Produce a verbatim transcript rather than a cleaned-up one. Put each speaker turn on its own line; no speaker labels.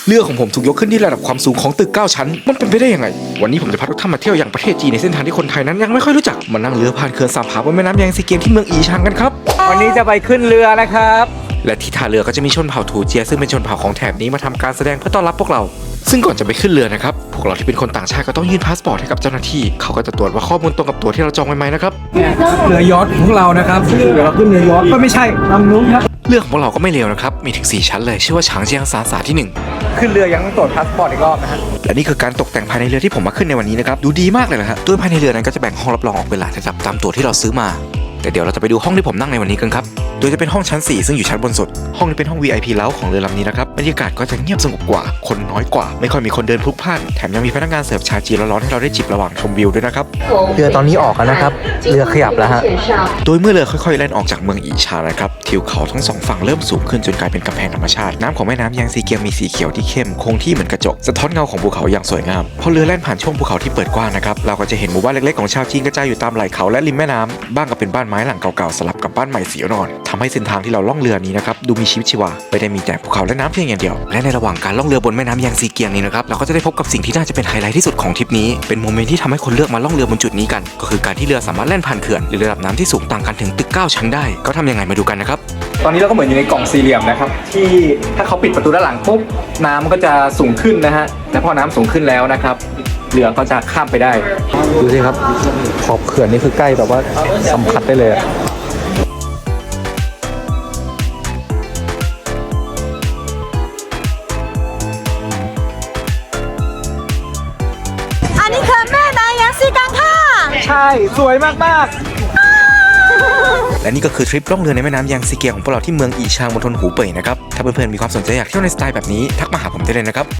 เรือของผมถูกยกขึ้นที่ระดับความสูงของตึกเก้าชั้นมันเป็นไปได้ยังไงวันนี้ผมจะพาทุกท่านมาเที่ยวอย่างประเทศจีนในเส้นทางที่คนไทยนั้นยังไม่ค่อยรู้จักมานั่งเรือผ่านเขื่อนสามผาบนแม่น้ำแยงซีเกียงที่เมืองอีชางกันครับวันนี้จะไปขึ้นเรือนะครับและที่ท่าเรือก็จะมีชนเผ่าถูเจียซึ่งเป็นชนเผ่าของแถบนี้มาทำการแสดงเพื่อต้อนรับพวกเราซึ่งก่อนจะไปขึ้นเรือนะครับพวกเราที่เป็นคนต่างชาติก็ต้องยื่นพาสปอร์ตให้กับเจ้าหน้าที่เขาก็จะตรวจว่าข้อมูลตรงกับตัวที่เราจองไว้ไหมนะครับ
เรือยอชต์ของเรานะครับเดี๋ยวเราขึ้นเรือยอชต์ก็ไม่ใช่ลำนู้นครับ
เรือของพวกเราก็ไม่เลวนะครับมีถึงสี่ชั้นเลยชื่อว่าฉางเจียงซานสาที่หนึ่ง
ขึ้นเรือยังต้องตรวจพาสปอร์ตอีกรอบนะฮะ
และนี่คือการตกแต่งภายในเรือที่ผมมาขึ้นในวันนี้นะครับดูดีมากเลยนะฮะโดยภายในเรือนั้นก็จะแบ่งห้องรับรองออกเป็นหลายระดับตามตั๋วที่เราซื้อมาแต่เดี๋ยวเราจะไปดูห้องที่ผมนั่งในวันนี้กันครับโดยจะเป็นห้องชั้นสี่ซึ่งอยู่ชั้นบนสุดห้องนี้เป็นห้อง วี ไอ พี เล้าของเรือลำนี้นะครับบรรยากาศก็จะเงียบสงบกว่าคนน้อยกว่าไม่ค่อยมีคนเดินพลุกพล่านแถมยังมีพนักงานเสิร์ฟชาจีนร้อนๆให้เราได้จิบระหว่างชมวิวด้วยนะครับ
เรือตอนนี้ออกแล้วนะครับเรือขยับแล้วฮะ
โดยเมื่อเรือค่อยๆแล่นออกจากเมืองอีชานะครับทิวเขาทั้งสองฝั่งเริ่มสูงขึ้นจนกลายเป็นกำแพงธรรมชาติน้ำของแม่น้ำแยงซีเกียงมีสีเขียวที่เข้มคงที่เหมือนกระจกสะท้อนเงาของภูเขาอย่างสวยงามพอเรือแล่นผ่านช่วงภูเขาที่เปิดกว้างนะครับเราก็จะเห็นหมู่บ้านเล็กๆของชาวจีนกระจายอยู่ตามไหล่เขาและริมแม่น้ำบ้างก็เป็นบ้านไม้หลังเก่าๆสลับกับบ้านใหม่สีอ่อนทำให้เส้นทางที่เราล่องเรือนี้นะครับดูมีชีวิตชีวาไม่ได้มีแต่ภูเขาและน้ำเพียงอย่างเดียวและในระหว่างการล่องเรือบนแม่น้ำแยงซีเกียงนี้นะครับเราก็จะได้พบกับสิ่งที่น่าจะเป็นไฮไลท์ที่สุดของทริปนี้เป็นโมเมนต์ที่ทำให้คนเลือกมาล่องเรือบนจุดนี้กันก็คือการที่เรือสามารถแล่นผ่านเขื่อนหรือระดับน้ำที่สูงต่างกันถึงตึกเก้าชั้นได้ก็ทำยังไงมาดูกันนะครับ
ตอนนี้เราก็เหมือนอยู่ในกล่องสี่เหลี่ยมนะครับที่ถ้าเขาปิดประตูด้านหลังปุ๊บน้ำก็จะสูงขึ้นนะฮะและพอน้ำสูงขึ้นแล้วนะครับเรือก็จะข้ามไปได้ดูสิครับขอบเขื่อนนี่คือใกล้แบบว่าสัมผัสได้เลย
อันนี้คือแม่นางแยงซีกังค่ะ
ใช่สวยมาก
ๆและนี่ก็คือทริปล่องเรือในแม่น้ำแยงซีเกียงของพวกเราที่เมืองอีชางมณฑลหูเป่ยนะครับถ้าเพื่อนๆมีความสนใจอยากเที่ยวในสไตล์แบบนี้ทักมาหาผมได้เลยนะครับ